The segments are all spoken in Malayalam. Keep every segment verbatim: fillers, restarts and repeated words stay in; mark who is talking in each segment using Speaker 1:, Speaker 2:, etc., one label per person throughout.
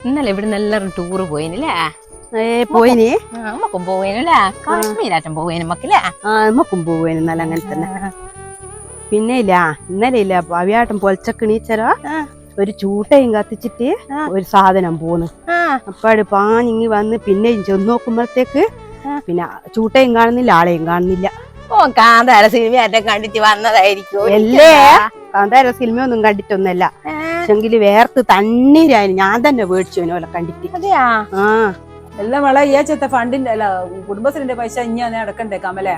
Speaker 1: ഇന്നലെ ഇവിടുന്ന് എല്ലാരും ടൂറ് പോയിനല്ലേ?
Speaker 2: ഏ പോയിനി
Speaker 1: നമ്മക്കും പോവേനല്ലേ? കാശ്മീരാറ്റം പോവേനും മക്കളെ.
Speaker 2: ആ നമ്മക്കും പോവേന് ഇന്നലെ അങ്ങനെ തന്നെ. പിന്നെ ഇല്ല ഇന്നലെ ഇല്ല പവിയാട്ടം പൊലച്ചക്ക് നീച്ചരോ ഒരു ചൂട്ടയും കത്തിച്ചിട്ട് ഒരു സാധനം പോന്ന്. അപ്പാട് പാഞ്ഞിങ്ങി വന്ന് പിന്നെയും ചെന്ന് നോക്കുമ്പോഴത്തേക്ക് പിന്നെ ചൂട്ടയും കാണുന്നില്ല, ആളെയും കാണുന്നില്ല.
Speaker 1: ഓ കാന്താര സിനിമയാറ്റം കണ്ടിട്ട് വന്നതായിരിക്കും.
Speaker 2: അല്ലേ കാന്താര സിനിമയൊന്നും കണ്ടിട്ടൊന്നല്ല, പക്ഷെങ്കില് വേർത്ത് തണ്ണീരായി. ഞാൻ തന്നെ മേടിച്ചു ഓലെ കണ്ടിട്ട്.
Speaker 1: അതെയാ?
Speaker 2: ആ
Speaker 3: എല്ലാം വള ഈ ആഴ്ചത്തെ ഫണ്ടിന്റെ അല്ല കുടുംബശ്രീന്റെ പൈസ ഇനി അടക്കണ്ടേ കമലേ?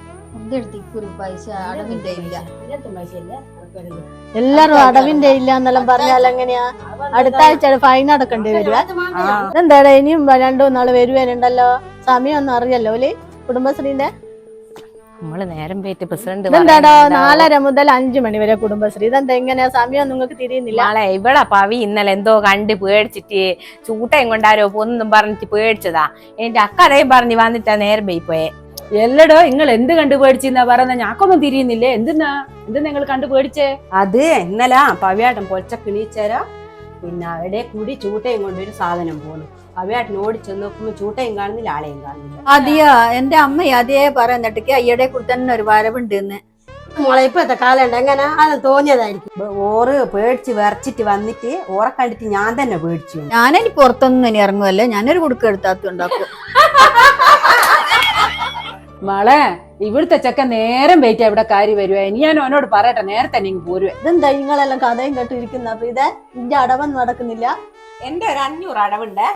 Speaker 4: എല്ലാരും അടവിന്റെ ഇല്ല എന്നെല്ലാം പറഞ്ഞാൽ എങ്ങനെയാ? അടുത്ത ആഴ്ച ഫൈൻ അടക്കേണ്ടി വരുവാ? എന്താടാ ഇനിയും രണ്ടു നാള് വരുവാനുണ്ടല്ലോ, സമയമൊന്നും അറിയല്ലോ ഓല് കുടുംബശ്രീന്റെ.
Speaker 1: നമ്മള് നേരം പോയിട്ട് പ്രസിഡന്റ്
Speaker 4: എന്താടോ നാലര മുതൽ അഞ്ചു മണി വരെ കുടുംബശ്രീ, ഇതെന്താ ഇങ്ങനെയാ സമയം നിങ്ങൾക്ക് തിരിയുന്നില്ല?
Speaker 1: നാളെ ഇവിടെ പവി ഇന്നലെ എന്തോ കണ്ട് പേടിച്ചിട്ട് ചൂട്ടയും കൊണ്ടാരോ ഒന്നും പറഞ്ഞിട്ട് പേടിച്ചതാ. എന്റെ അക്കടയും പറഞ്ഞ് വന്നിട്ടാ നേരം പോയി പോയെ.
Speaker 3: എല്ലടോ നിങ്ങൾ എന്ത് കണ്ടു പേടിച്ചെന്നാ പറയുന്ന? ഞാക്കൊന്നും തിരിയുന്നില്ലേ? എന്തിനാ എന്ത് നിങ്ങൾ കണ്ടു പേടിച്ചേ?
Speaker 2: അത് ഇന്നലെ പവിയാട്ടം പൊലച്ചക്ക് നീച്ചരോ പിന്നെ അവിടെ കൂടി ചൂട്ടയും കൊണ്ടൊരു സാധനം പോന്നു. പവിയാട്ടൻ ഓടിച്ചെന്ന് നോക്കുമ്പോ ചൂട്ടയും കാണുന്നില്ല, ആളെയും കാണുന്നില്ല.
Speaker 4: അതെയോ? എന്റെ അമ്മ അതേ പറയുന്നിട്ടേക്ക് അയ്യടെ കൂടെ തന്നെ ഒരു വരവുണ്ട്.
Speaker 2: മോളെ ഇപ്പത്തെ കാലം എങ്ങനെ അത് തോന്നിയതായിരിക്കും. ഓറ് പേടിച്ച് വിറച്ചിട്ട് വന്നിട്ട് ഓറെ കണ്ടിട്ട് ഞാൻ തന്നെ പേടിച്ചു.
Speaker 4: ഞാനിനി പുറത്തൊന്നും ഇനി ഇറങ്ങുമല്ലേ, ഞാനൊരു കുടുക്ക എടുത്താത്തുണ്ടാക്കും.
Speaker 3: മോളെ ഇവിടുത്തെ ചെക്കൻ നേരം വെയിറ്റ് ഇവിടെ കാര്യം വരുവാ. ഇനി ഞാൻ അവനോട് പറയട്ടെ, നേരത്തെ നീ പോരുവേ.
Speaker 4: ഇതെന്താ നിങ്ങളെല്ലാം കഥയും കേട്ടിരിക്കുന്ന? അപ്പൊ ഇതേ ഇന്റെ അടവൊന്നും നടക്കുന്നില്ല.
Speaker 1: എന്റെ ഒരു അഞ്ഞൂറ് അടവുണ്ട്.